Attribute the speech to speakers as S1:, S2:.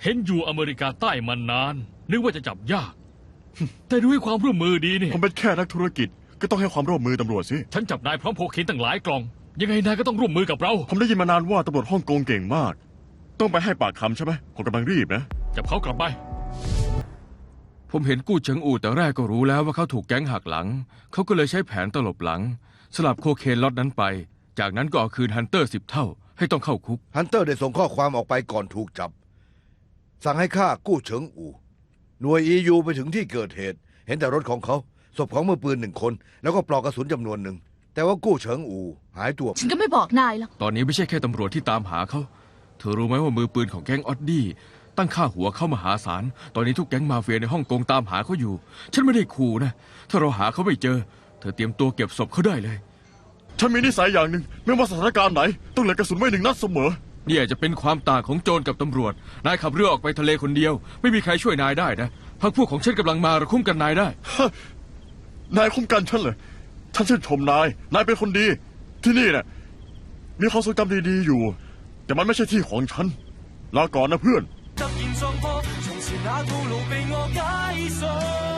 S1: เห็นอยู่อเมริกาใต้มานานนึกว่าจะจับยาก แต่ด้วยความร่วมมือดีนี่
S2: ผมเป็นแค่นักธุรกิจก็ต้องให้ความร่วมมือตำรวจสิ
S1: ฉันจับนายพร้อมโคเคนตั้งหลายกล่อง ยังไงนายก็ต้องร่วมมือกับเรา
S2: ผมได้ยินมานานว่าตำรวจฮ่องกงเก่งมาก ต้องไปให้ปากคำใช่ไหมผมกำลังรีบนะ
S1: จับเขากลับไป
S3: ผมเห็นกู้เฉิงอู่แต่แรกก็รู้แล้วว่าเขาถูกแก๊งหักหลัง เขาก็เลยใช้แผนตลบหลัง สลับโคเคนล็อตนั้นไป จากนั้นก็เอาคืนฮันเตอร์10 เท่า ให้ต้องเข้าคุก
S4: ฮันเตอร์ได้ส่งข้อความออกไปก่อนถูกจับ สั่งให้ฆ่ากู้เฉิงอู่หน่วย EU ไปถึงที่เกิดเหตุ เห็นแต่รถของเขาศพของมือปืน1 คน แล้วก็ปลอกกระสุนจำนวนหนึ่ง แต่ว่ากู้เฉิงอู่หายตัว
S5: ฉันก็ไม่บอกนายหรอก
S3: ตอนนี้ไม่ใช่แค่ตำรวจที่ตามหาเขา เธอรู้ไหมว่ามือปืนของแก๊งออดดี้ตั้งค่าหัวเข้ามหาศาล ตอนนี้ทุกแก๊งมาเฟียในฮ่องกงตามหาเขาอยู่ ฉันไม่ได้ขู่นะ ถ้าเราหาเขาไม่เจอ เธอเตรียมตัวเก็บศพเขาได้เลย
S2: ฉันมีนิสัยอย่างหนึ่งไม่ว่าสถานการณ์ไหน ต้องเหลือกระสุนไว้1 นัดเสมอ
S3: นี่อาจจะเป็นความต่างของโจรกับตำรวจ นายขับเรือออกไปทะเลคนเดียว ไม่มีใครช่วยนายได้นะพรรคพวกของฉันกำลังมาเราคุ้มกันนายได้
S2: นายคุ้มกันฉันเหรอฉันชื่นชมนายเป็นคนดี ที่นี่น่ะมีความทรงจำดีๆอยู่ แต่มันไม่ใช่ที่ของฉัน ลาก่อนนะเพื่อน
S6: 突然撞破，從前那套路被我解鎖。